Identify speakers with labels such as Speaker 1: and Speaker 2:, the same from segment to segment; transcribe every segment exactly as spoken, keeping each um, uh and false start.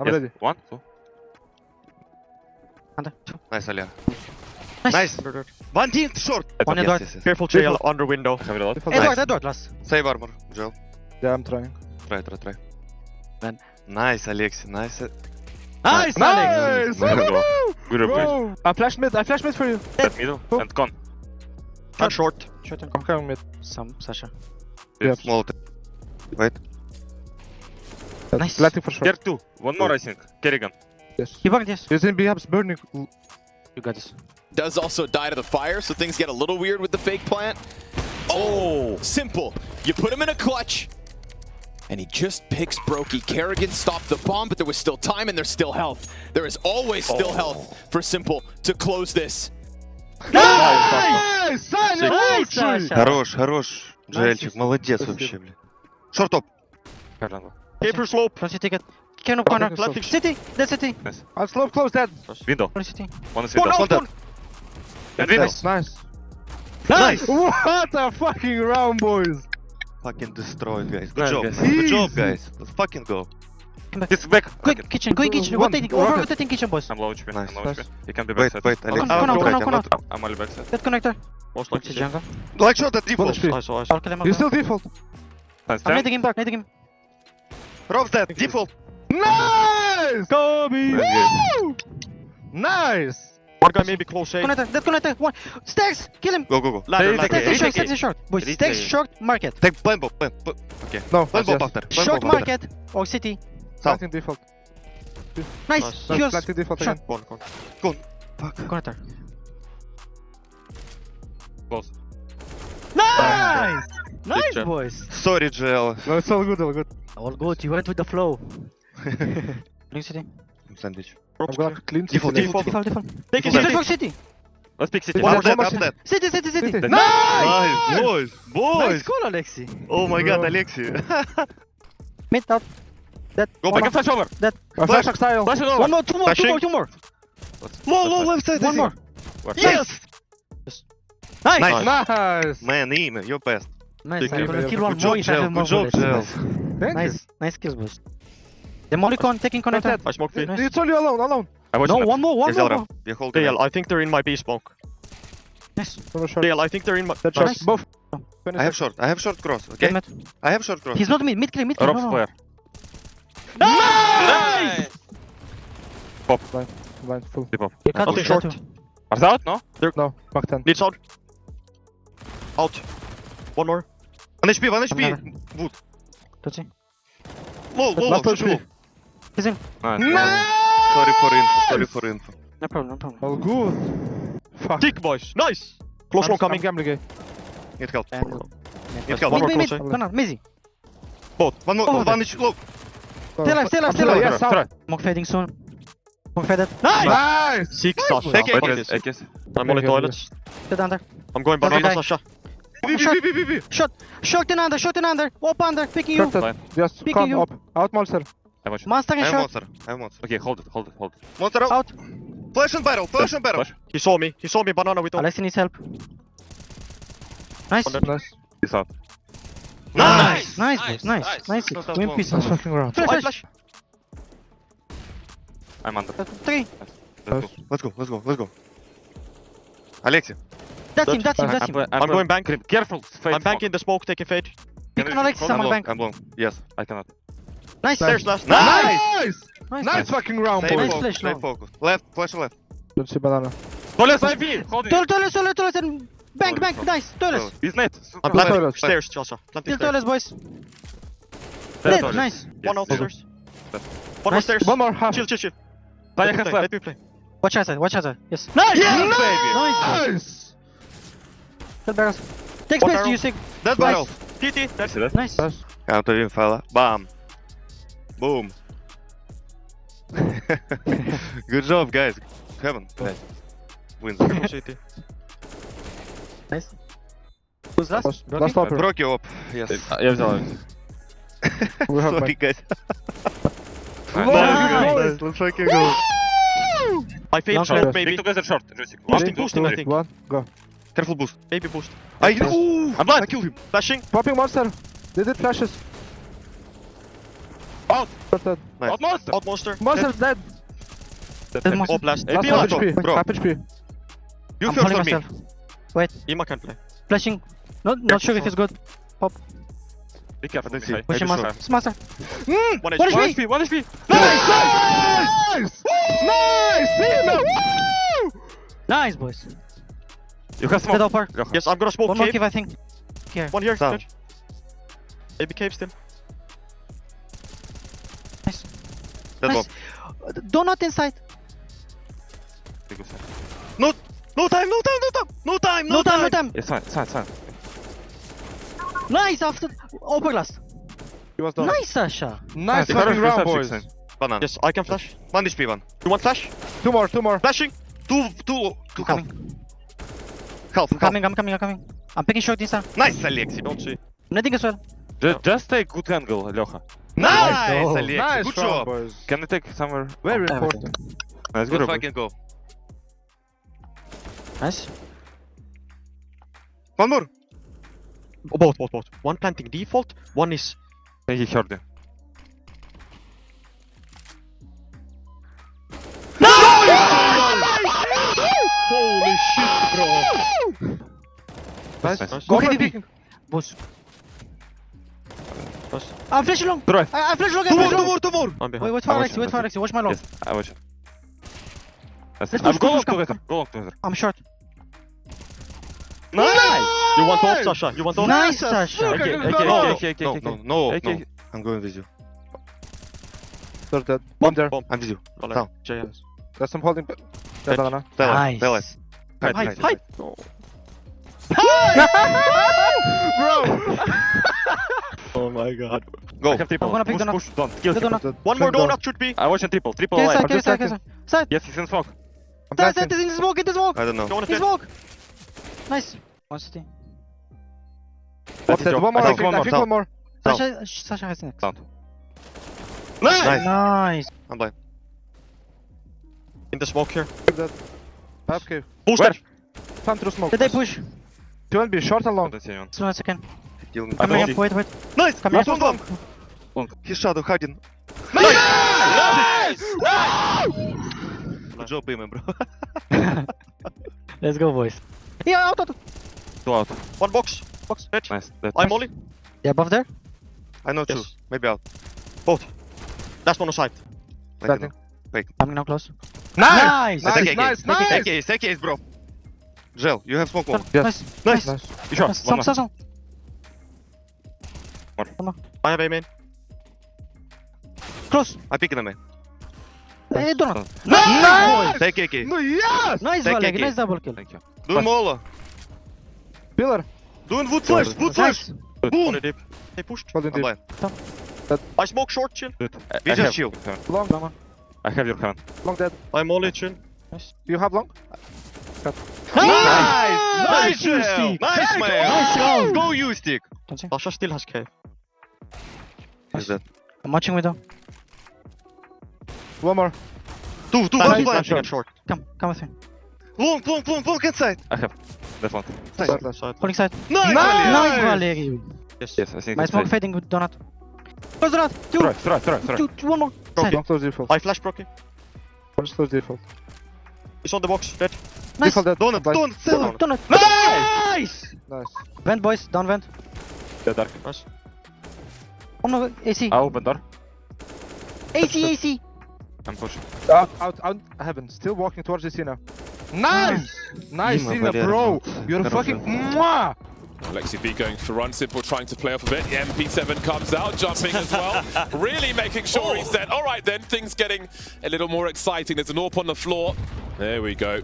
Speaker 1: Already.
Speaker 2: One, two.
Speaker 3: Under. Two.
Speaker 4: Nice, Alia.
Speaker 3: Nice.
Speaker 4: Nice. One team short.
Speaker 3: One
Speaker 4: Yes,
Speaker 3: Edward.
Speaker 4: yes, yes.
Speaker 5: Careful jail under window.
Speaker 2: Have it a lot.
Speaker 3: Edward, Edward, last.
Speaker 4: Save armor, Joel.
Speaker 1: Yeah, I'm trying.
Speaker 4: Try, try, try.
Speaker 3: Man.
Speaker 4: Nice, Alexi. Nice.
Speaker 3: Nice, Alex.
Speaker 1: Nice!
Speaker 2: Good replay.
Speaker 1: Bro! I flash mid, I flash mid for you.
Speaker 2: That middle and con.
Speaker 5: And short.
Speaker 3: Short and
Speaker 1: I'm coming mid.
Speaker 3: some, Sasha.
Speaker 1: Yeah.
Speaker 4: Small. Wait.
Speaker 3: Nice.
Speaker 1: Planting for sure.
Speaker 2: Here two. One more, I think. Kerrigan.
Speaker 1: Yes.
Speaker 3: He bugged, yes.
Speaker 1: He's in B hubs burning.
Speaker 3: You got this.
Speaker 6: Does also die to the fire, so things get a little weird with the fake plant. Oh, simple. You put him in a clutch, and he just picks Brokey. Kerrigan stopped the bomb, but there was still time and there's still health. There is always still health for Simple to close this.
Speaker 1: Nice! Саня,
Speaker 3: Nice,
Speaker 1: лучший!
Speaker 3: Sasha.
Speaker 4: Хорош, хорош. Джельчик, молодец
Speaker 1: Спасибо.
Speaker 4: вообще, блин. Шорт топ.
Speaker 2: Kerrigan.
Speaker 5: Paper slope.
Speaker 3: Front city get. Can of corner.
Speaker 1: Planting
Speaker 3: City. Dead city.
Speaker 1: I'll slow close that.
Speaker 2: Window.
Speaker 3: Front city.
Speaker 2: One is
Speaker 1: One
Speaker 2: window.
Speaker 1: out, one.
Speaker 2: And window.
Speaker 1: Nice. Nice.
Speaker 4: Nice.
Speaker 1: What a fucking round, boys.
Speaker 4: Fucking destroyed, guys. Good
Speaker 2: Nice,
Speaker 4: job.
Speaker 2: guys.
Speaker 4: Good job,
Speaker 1: Easy.
Speaker 4: guys. Let's fucking go.
Speaker 2: He's back.
Speaker 3: Quick kitchen, quick kitchen.
Speaker 1: One,
Speaker 3: Rotating,
Speaker 1: one.
Speaker 3: over rotating kitchen, boys.
Speaker 2: I'm low H P.
Speaker 4: Nice,
Speaker 2: I'm low
Speaker 1: nice.
Speaker 2: H P. He can be
Speaker 4: Wait,
Speaker 2: backside.
Speaker 4: wait,
Speaker 3: Come
Speaker 4: Alex.
Speaker 3: on, come on,
Speaker 4: I'm
Speaker 3: come on,
Speaker 4: not-
Speaker 3: come on.
Speaker 4: I'm not-
Speaker 2: I'm only backside.
Speaker 3: Dead connector.
Speaker 5: Most
Speaker 3: Watch
Speaker 5: likely
Speaker 3: the jungle.
Speaker 4: Like shot at
Speaker 1: One
Speaker 4: default.
Speaker 1: H P.
Speaker 5: Nice, nice.
Speaker 3: I'll kill him.
Speaker 1: He's still default.
Speaker 2: Nice.
Speaker 3: I'm
Speaker 2: Ten.
Speaker 3: nading him, nading him.
Speaker 4: Rob's dead. Default.
Speaker 1: Nice! Kobe! Woo! Nice!
Speaker 5: One guy maybe close A.
Speaker 3: Connector, dead connector. One. Stairs, kill him.
Speaker 4: Go, go, go.
Speaker 5: Ladder,
Speaker 1: Stay-
Speaker 5: ladder.
Speaker 3: Stairs is
Speaker 1: Retake
Speaker 3: short,
Speaker 1: A.
Speaker 3: stairs is short. Boys,
Speaker 2: Retake
Speaker 3: stairs
Speaker 2: A.
Speaker 3: short, market.
Speaker 4: Take blind bomb. Blind. bu- Okay.
Speaker 1: No,
Speaker 4: Blind bomb
Speaker 1: yes.
Speaker 4: after. Blind
Speaker 3: Short
Speaker 4: bomb after.
Speaker 3: market or city.
Speaker 1: Planting default.
Speaker 3: Nice.
Speaker 5: Nice.
Speaker 1: Nice.
Speaker 3: Heals.
Speaker 1: Planting default
Speaker 3: Shot.
Speaker 1: again.
Speaker 5: One, one.
Speaker 3: Connector.
Speaker 2: Close.
Speaker 3: Nice!
Speaker 5: Nice
Speaker 3: Nice,
Speaker 5: job.
Speaker 3: boys.
Speaker 4: Sorry, Joel.
Speaker 1: No, it's all good, all good.
Speaker 3: All good, you went with the flow. Blue city.
Speaker 4: Sandwich.
Speaker 1: I'm gonna clean
Speaker 4: Default,
Speaker 1: city.
Speaker 4: default.
Speaker 3: Default, default.
Speaker 5: Take it,
Speaker 3: Default,
Speaker 5: take it.
Speaker 3: default city.
Speaker 2: Let's pick city.
Speaker 1: One
Speaker 4: I'm dead.
Speaker 1: more
Speaker 4: I'm
Speaker 1: city.
Speaker 4: dead.
Speaker 3: City, city, city.
Speaker 1: City.
Speaker 4: Nice, boys. Boys.
Speaker 3: Nice call, Alexi.
Speaker 4: Oh my god,
Speaker 1: Bro.
Speaker 4: Alexi.
Speaker 3: Mid out. Dead.
Speaker 4: Go
Speaker 2: I
Speaker 4: back.
Speaker 2: can flash over.
Speaker 1: A flash style.
Speaker 2: Flash it over.
Speaker 3: One more, two more, two
Speaker 4: Flashing.
Speaker 3: more, two more.
Speaker 4: Low, low, left side.
Speaker 3: One more.
Speaker 4: Yes.
Speaker 3: Nice.
Speaker 4: Nice.
Speaker 1: Nice!
Speaker 4: Man, Ime, you're best.
Speaker 3: Nice.
Speaker 1: Thank
Speaker 3: I'm
Speaker 1: you.
Speaker 3: gonna kill
Speaker 4: Good
Speaker 3: one
Speaker 4: job,
Speaker 3: more if I
Speaker 4: Joel.
Speaker 3: have more
Speaker 4: Good job,
Speaker 3: bullets.
Speaker 4: Joel.
Speaker 1: Thank
Speaker 3: Nice. Nice kills, boys. The Molicon taking connector.
Speaker 1: Dead.
Speaker 5: I smoke
Speaker 1: you.
Speaker 5: three.
Speaker 3: Nice.
Speaker 1: It's only alone, alone.
Speaker 2: I watch
Speaker 3: No,
Speaker 2: him.
Speaker 3: one more, one
Speaker 4: Yes,
Speaker 3: more.
Speaker 4: Elra.
Speaker 3: more.
Speaker 4: You hold
Speaker 5: D L,
Speaker 4: it.
Speaker 5: I think they're in my B smoke.
Speaker 3: Nice.
Speaker 1: From a short.
Speaker 5: D L, I think they're in my...
Speaker 1: Dead
Speaker 3: Nice.
Speaker 1: shot. Both.
Speaker 4: I have short. I have short cross. Okay.
Speaker 3: Kill mid.
Speaker 4: I have short cross.
Speaker 3: He's not mid, mid clear, mid clear.
Speaker 2: Rob's
Speaker 3: No, no.
Speaker 2: player.
Speaker 3: Nice!
Speaker 1: Blind, full.
Speaker 2: Deep up.
Speaker 3: You cut
Speaker 5: Nothing
Speaker 3: two,
Speaker 5: short.
Speaker 3: cut two.
Speaker 2: Are they out? No?
Speaker 1: No, back ten.
Speaker 5: Needs out. Out. One more.
Speaker 4: One H P, one H P.
Speaker 3: Another.
Speaker 4: Wood.
Speaker 3: Touchy.
Speaker 4: Low, low, low.
Speaker 1: Last
Speaker 4: Just
Speaker 1: H P.
Speaker 4: low.
Speaker 3: He's in.
Speaker 2: Nice.
Speaker 4: Sorry for info. Sorry for info.
Speaker 3: No problem, no problem.
Speaker 1: All good. Fuck.
Speaker 5: Tick, boys. Nice. Close
Speaker 1: I'm-
Speaker 5: one coming.
Speaker 1: I'm gambling A.
Speaker 4: Need help.
Speaker 3: And
Speaker 4: Need help.
Speaker 5: One
Speaker 3: mid,
Speaker 5: more
Speaker 3: mid,
Speaker 5: close,
Speaker 3: mid. Corner, Mizzy.
Speaker 4: Both. One more.
Speaker 3: Oh,
Speaker 4: One H low.
Speaker 3: Stay alive, stay alive,
Speaker 1: I'm
Speaker 3: stay alive.
Speaker 1: Yes,
Speaker 2: Try.
Speaker 1: out.
Speaker 3: Smoke fading soon. Smoke faded. Nice!
Speaker 1: Nice!
Speaker 5: Six, Sasha.
Speaker 4: Take it.
Speaker 5: Wait,
Speaker 2: Wait,
Speaker 5: wait,
Speaker 2: wait, Ekis.
Speaker 5: I'm only
Speaker 1: Okay,
Speaker 5: toilets.
Speaker 3: Dead under.
Speaker 5: I'm going
Speaker 3: Okay.
Speaker 5: banana, Sasha.
Speaker 4: B, B,
Speaker 3: Shot.
Speaker 4: B, B, B, B.
Speaker 3: Shot. Shot in under, shot in under. Up under, picking you.
Speaker 1: Short that.
Speaker 2: Fine.
Speaker 1: Just
Speaker 3: Picking
Speaker 1: come
Speaker 3: you.
Speaker 1: up. Out monster.
Speaker 2: I watch.
Speaker 3: Monster
Speaker 4: I
Speaker 3: in
Speaker 4: have
Speaker 3: shot.
Speaker 4: monster. I have monster.
Speaker 2: Okay, hold it, hold it, hold it.
Speaker 4: Monster out.
Speaker 3: Out.
Speaker 4: Flash and barrel. Flash and barrel.
Speaker 2: Flash.
Speaker 5: He saw me. He saw me banana with all.
Speaker 3: Alexi needs help. Nice.
Speaker 5: On the-
Speaker 1: Nice.
Speaker 2: He's out.
Speaker 4: Nice.
Speaker 3: Nice, boys. Nice. Nice.
Speaker 4: Not that
Speaker 3: Win
Speaker 4: long.
Speaker 3: piece.
Speaker 1: Nice fucking round.
Speaker 3: Flash,
Speaker 5: I
Speaker 3: flash.
Speaker 5: flash.
Speaker 2: I'm under.
Speaker 3: Uh, Three.
Speaker 2: Let's go.
Speaker 4: Let's go. Let's go. Let's go. Alexi.
Speaker 3: That's him, that's him,
Speaker 1: I'm-
Speaker 3: that's
Speaker 2: I'm,
Speaker 3: him.
Speaker 2: I'm,
Speaker 5: I'm going bank.
Speaker 2: Careful. Fade
Speaker 5: I'm banking the smoke, taking fade.
Speaker 3: Pick on Alexi,
Speaker 4: I'm
Speaker 3: someone
Speaker 4: long.
Speaker 3: bank.
Speaker 4: I'm long. Yes.
Speaker 2: I cannot.
Speaker 3: Nice.
Speaker 5: Stairs last.
Speaker 4: Nice.
Speaker 1: Nice!
Speaker 3: Nice.
Speaker 1: Nice fucking round,
Speaker 4: Stay
Speaker 1: boys.
Speaker 3: Nice
Speaker 4: focused.
Speaker 3: flash,
Speaker 4: Stay
Speaker 3: no.
Speaker 4: focused. Left. Flash left.
Speaker 1: Don't see banana.
Speaker 2: Toilets I P! Hold it!
Speaker 3: Toilet, toilet, toilet, toilet, and bank,
Speaker 4: Toilet,
Speaker 3: bank,
Speaker 4: toilet.
Speaker 3: nice. Toilet.
Speaker 2: He's net.
Speaker 5: I'm
Speaker 1: Planting.
Speaker 5: planting stairs, Sasha. Planting
Speaker 3: Still
Speaker 5: stairs.
Speaker 3: toilet, boys.
Speaker 2: Dead
Speaker 3: Dead,
Speaker 2: toilet.
Speaker 3: nice.
Speaker 5: One
Speaker 2: Yes.
Speaker 5: outstairs.
Speaker 2: Yes.
Speaker 5: One more
Speaker 3: Nice.
Speaker 5: stairs.
Speaker 1: One more half.
Speaker 5: Chill, chill, chill.
Speaker 2: Play
Speaker 5: Let me
Speaker 2: half
Speaker 5: play,
Speaker 2: left.
Speaker 5: let me play.
Speaker 3: Watch outside, watch outside. Yes. Nice!
Speaker 4: Yes,
Speaker 1: Nice!
Speaker 4: baby.
Speaker 1: Nice!
Speaker 3: Kill barrels. Take
Speaker 5: One
Speaker 3: space,
Speaker 5: barrel.
Speaker 3: you sick.
Speaker 4: Dead
Speaker 3: Nice.
Speaker 4: barrel.
Speaker 5: T T. That's
Speaker 2: See that?
Speaker 3: Nice.
Speaker 1: Nice.
Speaker 4: Counter win, fella. Bam. Boom. Good job, guys. Heaven. Guys. Wins.
Speaker 5: City.
Speaker 3: Nice. Who's last?
Speaker 1: Last,
Speaker 3: Broken?
Speaker 1: last stopper.
Speaker 4: Broke you up. Yes.
Speaker 2: Я взял.
Speaker 1: We have
Speaker 4: Sorry,
Speaker 1: back.
Speaker 4: guys.
Speaker 2: Nice.
Speaker 3: Nice.
Speaker 4: Nice. Let's fucking go.
Speaker 5: I fade
Speaker 3: Long
Speaker 5: smoke,
Speaker 3: shot.
Speaker 2: Pick
Speaker 5: baby.
Speaker 2: together short. Jusik.
Speaker 5: Boosting,
Speaker 1: Three,
Speaker 5: boosting,
Speaker 1: two,
Speaker 5: I think.
Speaker 1: One, go.
Speaker 4: Careful boost.
Speaker 5: Baby boost.
Speaker 4: I Ooh,
Speaker 2: I'm blind.
Speaker 4: I killed him.
Speaker 5: Flashing.
Speaker 1: Popping monster. They did flashes.
Speaker 2: Out!
Speaker 1: Short dead.
Speaker 5: Nice.
Speaker 2: Out monster!
Speaker 5: Out monster.
Speaker 1: Monster dead.
Speaker 3: Dead monster.
Speaker 5: Op last.
Speaker 1: Last
Speaker 2: P
Speaker 1: half
Speaker 2: last.
Speaker 1: H P.
Speaker 5: Bro.
Speaker 1: Half H P.
Speaker 4: You
Speaker 3: I'm
Speaker 4: first
Speaker 3: holding
Speaker 4: for me.
Speaker 3: myself.
Speaker 5: Ima can play.
Speaker 3: Flashing. Not, not sure if it's good.
Speaker 2: Be careful,
Speaker 4: Let's
Speaker 2: Mikhail.
Speaker 4: see.
Speaker 3: Pushing
Speaker 4: Maybe
Speaker 3: master. Master.
Speaker 5: One
Speaker 3: What
Speaker 5: H
Speaker 3: is
Speaker 5: P.
Speaker 2: One H P, one H P!
Speaker 1: Nice! Nice! Nice! Team! Woo!
Speaker 3: Nice, boys.
Speaker 2: You have
Speaker 3: Dead
Speaker 2: smoke.
Speaker 3: upper.
Speaker 2: Ljocha.
Speaker 5: Yes, I'm gonna smoke
Speaker 3: One more
Speaker 5: cave.
Speaker 3: cave, I think. Here.
Speaker 5: One here.
Speaker 4: Down.
Speaker 5: Judge. Maybe cave still.
Speaker 3: Nice.
Speaker 4: Dead
Speaker 3: Nice.
Speaker 4: bomb.
Speaker 3: Uh, Donut inside.
Speaker 2: Big side.
Speaker 5: No time, no time, no time, no time,
Speaker 3: No time, no time.
Speaker 2: It's fine, it's fine, it's fine.
Speaker 3: Nice after upper glass.
Speaker 1: He was done.
Speaker 3: Nice, Sasha.
Speaker 1: Nice
Speaker 2: It's
Speaker 1: fucking
Speaker 2: fine,
Speaker 1: round,
Speaker 2: it's fine,
Speaker 1: boys.
Speaker 2: it's fine.
Speaker 4: Banana.
Speaker 5: Yes, I can flash.
Speaker 4: One H P one.
Speaker 5: You want flash?
Speaker 1: Two more, two more.
Speaker 5: Flashing.
Speaker 4: Two, two, two
Speaker 3: I'm
Speaker 4: half.
Speaker 3: coming.
Speaker 4: Half,
Speaker 3: I'm
Speaker 4: half.
Speaker 3: coming, I'm coming, I'm coming. I'm picking short this time.
Speaker 4: Nice, Alexi.
Speaker 5: Don't see.
Speaker 3: Netting as well.
Speaker 2: Ju- Just take good angle, Ljocha.
Speaker 4: Nice,
Speaker 3: Oh.
Speaker 4: Alexi.
Speaker 1: Nice
Speaker 4: Good
Speaker 1: round,
Speaker 4: job.
Speaker 1: boys.
Speaker 2: Can you take somewhere?
Speaker 1: Very
Speaker 3: Oh,
Speaker 1: important.
Speaker 2: Nice,
Speaker 4: Good
Speaker 2: good.
Speaker 4: fucking go.
Speaker 3: Nice.
Speaker 4: One more.
Speaker 5: Oh, both, both, both. One planting default. One is.
Speaker 2: I think he heard you.
Speaker 5: Holy shit, bro.
Speaker 1: Nice.
Speaker 2: Nice.
Speaker 1: Go
Speaker 3: Okay,
Speaker 1: for
Speaker 3: B, B.
Speaker 1: peeking.
Speaker 3: Boss.
Speaker 5: Nice.
Speaker 3: I'm flashing long.
Speaker 2: Right.
Speaker 3: I, I'm flashing long.
Speaker 5: Two
Speaker 3: I'm
Speaker 5: more,
Speaker 3: flashing
Speaker 5: two
Speaker 3: long.
Speaker 5: more, two more. I'm
Speaker 3: Wait,
Speaker 5: behind.
Speaker 3: wait for
Speaker 2: I watch
Speaker 3: Alexi,
Speaker 2: him,
Speaker 3: wait for
Speaker 2: I
Speaker 3: Alexi. Watch my long.
Speaker 2: Yes, I watch. Yes.
Speaker 3: Let's
Speaker 2: I'm
Speaker 3: push,
Speaker 2: go
Speaker 3: push,
Speaker 2: long
Speaker 3: come.
Speaker 2: together. Go long together.
Speaker 3: I'm short.
Speaker 4: Nice.
Speaker 5: You want off, Sasha? You want off?
Speaker 3: Nice, Sasha.
Speaker 1: Look
Speaker 2: Okay,
Speaker 1: at
Speaker 2: okay,
Speaker 1: this
Speaker 2: okay,
Speaker 1: goal.
Speaker 2: okay, okay,
Speaker 4: No,
Speaker 2: okay.
Speaker 4: no, no,
Speaker 2: Okay.
Speaker 4: no. I'm going with you.
Speaker 1: Third dead. One there.
Speaker 5: Bomb.
Speaker 4: I'm with you.
Speaker 5: Down.
Speaker 4: Down.
Speaker 5: J S.
Speaker 1: There's some holding. Dead
Speaker 5: Dead.
Speaker 1: banana.
Speaker 4: Tell
Speaker 3: Nice.
Speaker 4: it. Tell it.
Speaker 2: Hide,
Speaker 5: Hide,
Speaker 2: hide,
Speaker 5: hide. No.
Speaker 1: Bro!
Speaker 5: Oh my god.
Speaker 4: Go.
Speaker 2: I have triple.
Speaker 3: I'm gonna pick
Speaker 2: Push,
Speaker 3: donut.
Speaker 2: push, don't. Kill
Speaker 3: The
Speaker 2: him.
Speaker 3: donut.
Speaker 5: One more
Speaker 1: Down.
Speaker 5: donut should be.
Speaker 2: I watch him triple. Triple
Speaker 3: Okay,
Speaker 2: alive.
Speaker 3: side, okay, side, okay, side. Side.
Speaker 2: Yes, he's in smoke.
Speaker 1: I'm
Speaker 3: Side,
Speaker 1: backing.
Speaker 3: side, in the smoke, in the smoke.
Speaker 4: I don't know.
Speaker 5: Don't want
Speaker 3: In
Speaker 5: to
Speaker 3: the smoke. Nice. One city.
Speaker 1: One
Speaker 2: That's
Speaker 1: dead.
Speaker 2: your-
Speaker 1: One more.
Speaker 2: I
Speaker 1: I
Speaker 2: think
Speaker 1: think
Speaker 2: one
Speaker 1: I
Speaker 2: more.
Speaker 1: think one more.
Speaker 4: Down.
Speaker 3: Sasha, Sasha has next.
Speaker 2: Down.
Speaker 4: Nice.
Speaker 3: Nice.
Speaker 4: I'm blind.
Speaker 5: in the smoke here.
Speaker 1: Half cave.
Speaker 5: Booster.
Speaker 1: Time through smoke.
Speaker 3: Did they push?
Speaker 1: Two and B. Short and long.
Speaker 2: Don't see anyone.
Speaker 3: Just one second.
Speaker 4: Kill me.
Speaker 3: Coming
Speaker 2: see.
Speaker 3: up. Wait, wait.
Speaker 4: Nice.
Speaker 3: Coming
Speaker 4: Last
Speaker 3: up.
Speaker 4: one bomb. He's shadow hiding.
Speaker 2: Nice!
Speaker 4: Good job, Payman, bro.
Speaker 3: Let's go, boys. Yeah, out, out.
Speaker 2: Two out.
Speaker 5: One box. Box. Red.
Speaker 2: Nice. That-
Speaker 5: I'm Molly.
Speaker 3: Yeah, above there.
Speaker 4: I know two.
Speaker 5: Yes.
Speaker 4: Maybe out.
Speaker 5: Both. Last one on side.
Speaker 4: I don't know.
Speaker 1: Backing.
Speaker 3: Coming now close.
Speaker 1: Nice!
Speaker 3: Nice.
Speaker 1: Nice,
Speaker 4: Take
Speaker 1: nice,
Speaker 4: case.
Speaker 1: nice!
Speaker 4: Take case. Take case, bro. Gel, you have smoke wall.
Speaker 1: Yes.
Speaker 3: Nice.
Speaker 5: Nice.
Speaker 1: Nice.
Speaker 2: You sure?
Speaker 3: Nice.
Speaker 2: One
Speaker 3: Some,
Speaker 2: more.
Speaker 3: some, some.
Speaker 5: I have A main.
Speaker 3: Close.
Speaker 4: I pick him, man.
Speaker 3: Hey, donut.
Speaker 1: Nice!
Speaker 4: Take A K.
Speaker 1: No, yes!
Speaker 3: Nice,
Speaker 4: Take
Speaker 3: Valeg.
Speaker 4: it.
Speaker 3: Nice double kill.
Speaker 2: Thank you.
Speaker 4: Do Mola.
Speaker 1: Pillar.
Speaker 4: Doing wood flash. Wood flash.
Speaker 3: Nice.
Speaker 4: Boom.
Speaker 5: Only deep. They pushed.
Speaker 1: Holding
Speaker 4: I'm
Speaker 1: deep.
Speaker 4: blind.
Speaker 5: I smoke short chill.
Speaker 2: Good. I-
Speaker 4: We
Speaker 2: I
Speaker 4: just
Speaker 2: have
Speaker 4: chill.
Speaker 2: your hand.
Speaker 1: Long.
Speaker 3: Long one.
Speaker 2: I have your hand.
Speaker 1: Long dead.
Speaker 5: I'm only chill.
Speaker 1: Do you have long?
Speaker 4: Nice.
Speaker 3: Nice,
Speaker 4: Nice,
Speaker 3: you
Speaker 4: Gel.
Speaker 3: stick.
Speaker 4: Nice, man.
Speaker 3: Nice round.
Speaker 4: Go, you stick.
Speaker 3: Don't see.
Speaker 5: Sasha still has cave.
Speaker 4: Is that?
Speaker 3: I'm watching with them.
Speaker 1: One more.
Speaker 4: Two, two,
Speaker 5: Nice.
Speaker 4: one
Speaker 5: Flashing
Speaker 4: blind.
Speaker 5: at short.
Speaker 3: Come, come with me.
Speaker 4: Long, long, long, long inside.
Speaker 2: I have that one.
Speaker 1: Side, last.
Speaker 5: Side.
Speaker 3: Holding side.
Speaker 4: Nice.
Speaker 1: Nice.
Speaker 3: Nice, Valeri.
Speaker 5: Yes.
Speaker 2: Yes, I think
Speaker 3: My
Speaker 2: it's
Speaker 3: smoke
Speaker 2: safe.
Speaker 3: fading with donut. Close donut. Two.
Speaker 2: Throw it, throw it, throw it, throw it.
Speaker 3: Two, two, one more. Side.
Speaker 1: Long close default.
Speaker 5: I flash Brocky.
Speaker 1: One close default.
Speaker 5: He's on the box. Dead.
Speaker 3: Nice.
Speaker 1: Default dead.
Speaker 4: Donut,
Speaker 1: Blind.
Speaker 4: donut, seven.
Speaker 3: Donut.
Speaker 2: Nice!
Speaker 1: Nice.
Speaker 3: Vent, boys. Down vent.
Speaker 2: The dark.
Speaker 5: Nice.
Speaker 3: One more. A C.
Speaker 2: I open door.
Speaker 3: A C, A C.
Speaker 2: I'm pushing.
Speaker 1: Out, out, out. Heaven. Still walking towards the C now. Nice! Nice,
Speaker 4: Dima
Speaker 1: Cena,
Speaker 4: Valera.
Speaker 1: bro. You're a fucking mwah!
Speaker 7: Alexi B going for run, Simple trying to play off a bit. The M P seven comes out, jumping as well. Really making sure he's dead. All right then, things getting a little more exciting. There's an AWP on the floor. There we go.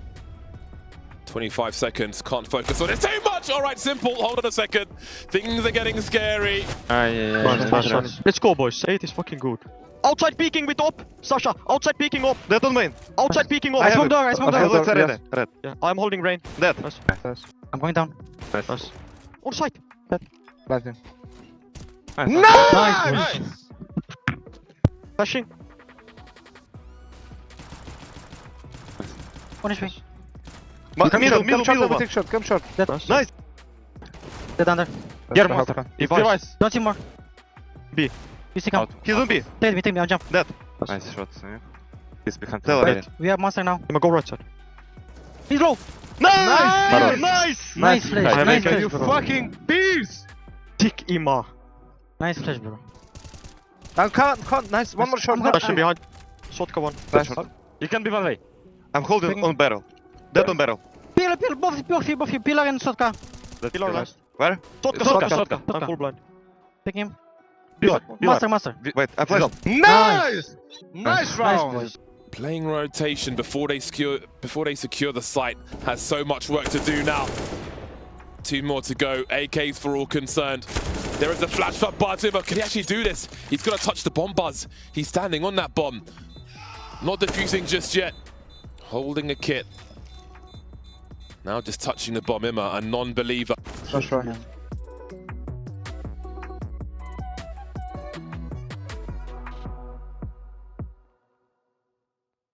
Speaker 7: twenty-five seconds, can't focus on it too much. All right, Simple, hold on a second. Things are getting scary.
Speaker 2: Ah, yeah, yeah,
Speaker 5: Nice,
Speaker 2: yeah,
Speaker 5: nice,
Speaker 2: yeah.
Speaker 5: nice. Let's go, boys. Eight is fucking good. Outside peeking with op. Sasha, outside peeking op.
Speaker 4: Dead on main.
Speaker 5: Outside peeking op.
Speaker 3: I smoke door, I
Speaker 1: I
Speaker 3: smoke
Speaker 1: have
Speaker 3: door.
Speaker 1: it.
Speaker 4: Red,
Speaker 1: Yes.
Speaker 4: red, red.
Speaker 5: Yeah, I'm holding rain.
Speaker 4: Dead.
Speaker 5: Nice.
Speaker 1: Nice.
Speaker 3: I'm going down.
Speaker 5: Nice. On site.
Speaker 1: Planting.
Speaker 2: Nice.
Speaker 3: Nice.
Speaker 1: Nice!
Speaker 5: Flashing.
Speaker 3: One H P.
Speaker 4: Ma-
Speaker 1: Come
Speaker 4: Middle,
Speaker 1: short,
Speaker 4: middle,
Speaker 1: come short,
Speaker 4: middle
Speaker 1: we
Speaker 4: one.
Speaker 1: take short, come short.
Speaker 5: Nice.
Speaker 4: Nice.
Speaker 3: Dead under.
Speaker 2: Here,
Speaker 1: That's
Speaker 2: monster.
Speaker 1: the
Speaker 2: If
Speaker 5: Device.
Speaker 2: device.
Speaker 3: Don't see more. You see, come.
Speaker 2: Out.
Speaker 4: He's on B.
Speaker 3: Take me, take me, I'll jump.
Speaker 4: Dead.
Speaker 2: Nice shot. Yeah. He's behind.
Speaker 4: Tell
Speaker 2: me.
Speaker 4: her.
Speaker 5: Wait.
Speaker 3: We have monster now.
Speaker 5: I'ma go right side.
Speaker 3: He's low.
Speaker 4: Nice!
Speaker 2: Nice.
Speaker 4: Nice!
Speaker 3: Nice flash,
Speaker 2: Nice.
Speaker 3: nice
Speaker 1: Can
Speaker 3: flash,
Speaker 1: you
Speaker 3: bro.
Speaker 1: fucking beast?
Speaker 5: Tick Ima.
Speaker 3: Nice flash, bro.
Speaker 1: And can't, can't, nice. One more shot.
Speaker 3: I'm
Speaker 5: Flashing behind. Shotgun one.
Speaker 1: Nice.
Speaker 5: You can be one way.
Speaker 4: I'm holding on barrel. Dead on barrel.
Speaker 3: Pillar, pillar, both, both, both, both, pillar and Sotka.
Speaker 5: Pillar last.
Speaker 4: Where?
Speaker 5: Shotgun,
Speaker 3: Shotgun.
Speaker 5: shotgun, shotgun. I'm
Speaker 3: Shotgun.
Speaker 5: full blind.
Speaker 3: Pick him.
Speaker 5: Pillar.
Speaker 3: Master, master.
Speaker 4: Wait, I flashed.
Speaker 1: Nice! Nice
Speaker 3: Nice,
Speaker 1: round!
Speaker 3: boys.
Speaker 7: Playing rotation before they secure before they secure the site has so much work to do now. Two more to go. A Ks for all concerned. There is a flash for Buzziver. Can he actually do this? He's gonna touch the bomb, Buzz. He's standing on that bomb. Not defusing just yet. Holding a kit. Now just touching the bomb, Imma, a non-believer.
Speaker 1: That's right.
Speaker 3: Yeah.